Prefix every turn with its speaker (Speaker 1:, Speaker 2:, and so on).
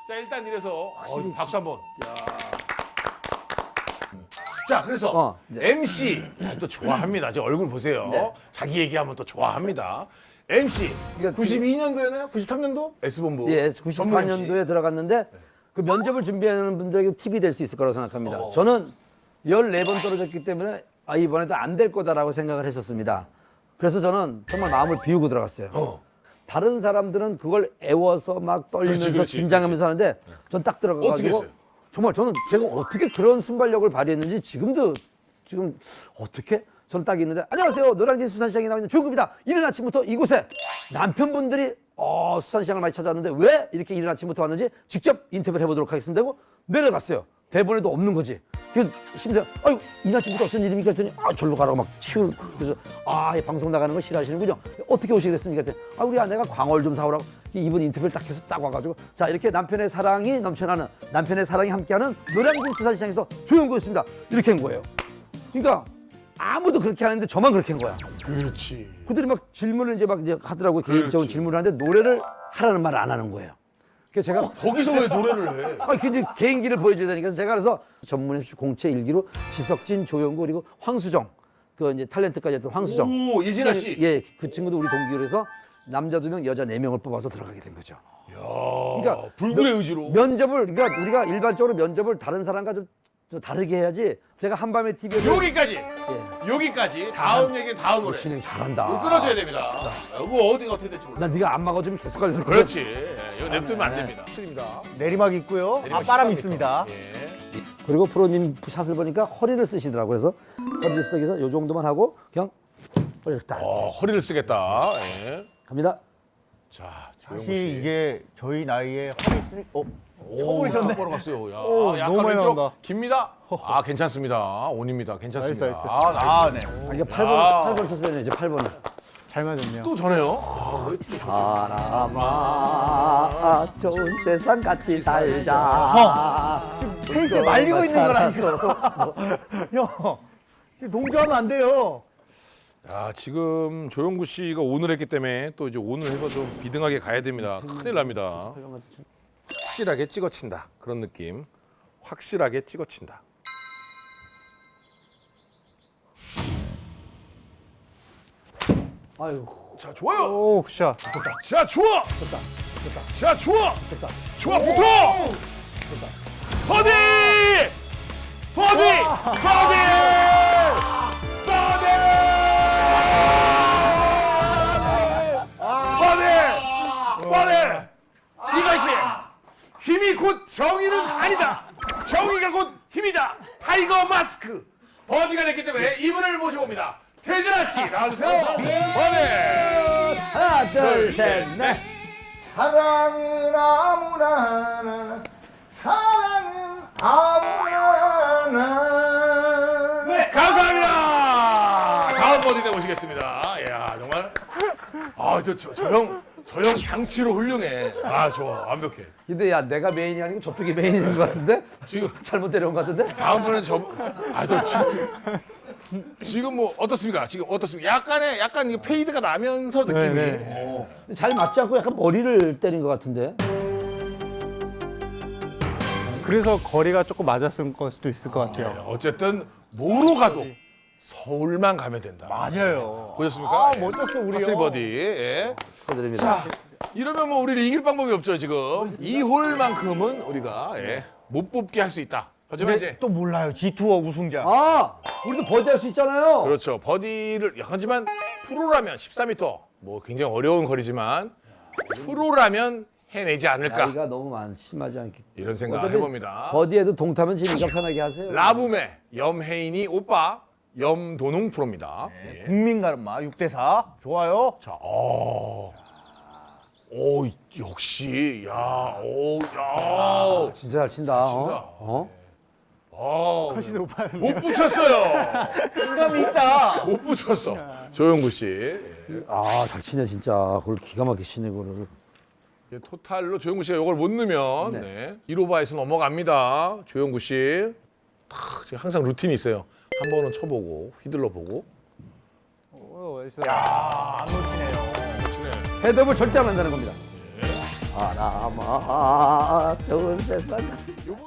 Speaker 1: 자, 일단 이래서 박수 한번. 자, 그래서 MC 또 좋아합니다. 제 얼굴 보세요. 자기 얘기하면 또 좋아합니다. MC
Speaker 2: 그러니까
Speaker 1: 92년도였나요? 93년도? S본부.
Speaker 2: 예,
Speaker 1: 전문 MC.
Speaker 2: 94년도에 들어갔는데 그 면접을 준비하는 분들에게 팁이 될 수 있을 거라고 생각합니다. 저는 14번 떨어졌기 때문에 이번에도 안 될 거다라고 생각을 했었습니다. 그래서 저는 정말 마음을 비우고 들어갔어요. 다른 사람들은 그걸 애워서 막 떨리면서
Speaker 1: 그렇지,
Speaker 2: 긴장하면서 하는데 전 딱
Speaker 1: 어떻게
Speaker 2: 들어가가지고
Speaker 1: 했어요?
Speaker 2: 정말 저는 제가 어떻게 그런 순발력을 발휘했는지 지금 어떻게 저는 딱 있는데 안녕하세요. 노량진 수산시장에 나와 있는 조용구입니다. 이른 아침부터 이곳에 남편분들이 수산시장을 많이 찾아왔는데 왜 이렇게 이른 아침부터 왔는지 직접 인터뷰를 해보도록 하겠습니다 하고 내려갔어요. 대본에도 없는 거지. 그래서 심지어 아유 이른 아침부터 어쩐 일입니까 했더니 절로 가라고 막 치우는. 그래서 이 방송 나가는 거 싫어하시는군요. 어떻게 오시게 됐습니까 했더니 우리 아내가 광어를 좀 사오라고. 이분 인터뷰를 딱 해서 딱 와가지고 자 이렇게 남편의 사랑이 넘쳐나는 남편의 사랑이 함께하는 노량진 수산시장에서 조용구였습니다. 이렇게 한 거예요. 그러니까 아무도 그렇게 하는데 저만 그렇게 한 거야.
Speaker 1: 그렇지.
Speaker 2: 그들이 막 질문을 이제 하더라고요. 개인적인 질문을 하는데 노래를 하라는 말을 안 하는 거예요. 그래서 제가
Speaker 1: 거기서 왜 노래를 해?
Speaker 2: 근데 개인기를 보여줘야 되니까 제가 그래서 전문 MC 공채 일기로 지석진, 조영구 그리고 황수정 그 이제 탤런트까지 했던 황수정.
Speaker 1: 오, 이진아 씨.
Speaker 2: 예, 그 친구도 우리 동기로 해서 남자 2명, 여자 4명을 뽑아서 들어가게 된 거죠.
Speaker 1: 그러니까 불굴의 의지로.
Speaker 2: 면접을 그러니까 우리가 일반적으로 면접을 다른 사람과 좀 다르게 해야지. 제가 한밤에 TV에
Speaker 1: 여기까지. 여기까지. 다음 얘기는 다음으로.
Speaker 2: 진행 잘한다.
Speaker 1: 이거 끊어줘야 됩니다. 이거 어디가 어떻게 될지 몰라.
Speaker 2: 나 네가 안 막아주면 계속 가려고.
Speaker 1: 그렇지. 이거 냅두면 안 됩니다. 맞습니다.
Speaker 3: 내리막 있고요.
Speaker 1: 내리막
Speaker 3: 앞바람
Speaker 1: 13m.
Speaker 3: 있습니다.
Speaker 1: 예.
Speaker 2: 그리고 프로님 샷을 보니까 허리를 쓰시더라고요. 그래서 허리를 쓰기서 요 정도만 하고 그냥 허리를 딱
Speaker 1: 허리를 쓰겠다. 예.
Speaker 2: 갑니다.
Speaker 1: 자,
Speaker 3: 사실 이게 저희 나이에 허리 쓰니 쳐버리셨네.
Speaker 1: 보러 갔어요. 야,
Speaker 3: 오,
Speaker 1: 약간
Speaker 3: 너무 많이
Speaker 1: 왼쪽
Speaker 3: 나온다.
Speaker 1: 깁니다. 괜찮습니다. 온입니다. 괜찮습니다.
Speaker 3: 나이스.
Speaker 1: 나이스.
Speaker 3: 네.
Speaker 2: 이게 8번 쳤어야 되네. 이제 8번을.
Speaker 3: 잘 맞았네요.
Speaker 1: 또 전해요.
Speaker 2: 사람아 좋은 세상 같이 살자.
Speaker 3: 페이스에 말리고 있는 거라니까. 형, 지금 동조하면 안 돼요.
Speaker 1: 야, 지금 조영구 씨가 오늘 했기 때문에 또 이제 오늘 해서 좀 비등하게 가야 됩니다. 큰일 납니다. 확실하게 찍어친다. 그런 느낌. 확실하게 찍어친다.
Speaker 2: 아유.
Speaker 1: 자, 좋아요.
Speaker 3: 오, 굿샷.
Speaker 1: 자, 좋아. 자, 좋아. 좋아, 붙어. 버디! 버디! 버디! 버디! 버디! 버디! 이것이 힘이 곧 정의는 아니다. 정의가 곧 힘이다. 타이거 마스크. 버디가 됐기 때문에 이분을 모셔봅니다. 태진아 씨 나와주세요. 버디!
Speaker 2: 하나, 둘, 셋, 넷.
Speaker 3: 사랑은 아무나 사랑은 아무나
Speaker 1: 네, 감사합니다. 다음 버디대 모시겠습니다. 이야, 정말. 저 형 장치로 훌륭해. 좋아. 완벽해.
Speaker 2: 근데 야 내가 메인이 아니고 저쪽이 메인인 것 같은데?
Speaker 1: 지금
Speaker 2: 잘못 데려온 것 같은데?
Speaker 1: 다음번엔 너 진짜. 지금 뭐 어떻습니까? 지금 어떻습니까? 약간 이게 페이드가 나면서 느낌이.
Speaker 2: 잘 맞지 않고 약간 머리를 때린 것 같은데?
Speaker 3: 그래서 거리가 조금 맞았을 수도 있을 것 같아요.
Speaker 1: 어쨌든 뭐로 가도 서울만 가면 된다.
Speaker 3: 맞아요.
Speaker 1: 보셨습니까?
Speaker 3: 멋졌어 우리
Speaker 1: 파슬
Speaker 3: 형.
Speaker 1: 버디. 예.
Speaker 2: 축하드립니다.
Speaker 1: 이러면 뭐 우리를 이길 방법이 없죠 지금. 2홀만큼은 우리가 못 뽑게 할 수 있다. 하지만
Speaker 3: 근데
Speaker 1: 이제
Speaker 3: 또 몰라요. G2어 우승자.
Speaker 2: 우리도 버디할 수 있잖아요.
Speaker 1: 그렇죠. 버디를 하지만 프로라면 14m 뭐 굉장히 어려운 거리지만 프로라면 해내지 않을까
Speaker 2: 나이가 너무 심하지 않기.
Speaker 1: 이런 생각
Speaker 2: 어차피
Speaker 1: 해봅니다.
Speaker 2: 버디에도 동타면 지니까 편하게 하세요.
Speaker 1: 라붐의 염혜인이 오빠 염도농 프로입니다. 예.
Speaker 3: 국민 가르마 6대4. 좋아요.
Speaker 1: 자, 오, 역시, 야, 오, 야,
Speaker 2: 진짜 잘 친다.
Speaker 3: 훨씬 높아요.
Speaker 1: 못 붙였어요.
Speaker 3: 감이 있다.
Speaker 1: 못 붙였어. 조영구 씨. 예.
Speaker 2: 잘 치네 진짜. 그걸 기가 막히게 치네 그거를.
Speaker 1: 토탈로 조영구 씨가 이걸 못 넣으면 네. 1오버에서 넘어갑니다. 조영구 씨. 지금 항상 루틴이 있어요. 한 번은 쳐보고 휘둘러 보고.
Speaker 3: 안 놓치네요.
Speaker 1: 치네.
Speaker 2: 헤드업을 절대 안 한다는 겁니다. 바람아 좋은 세상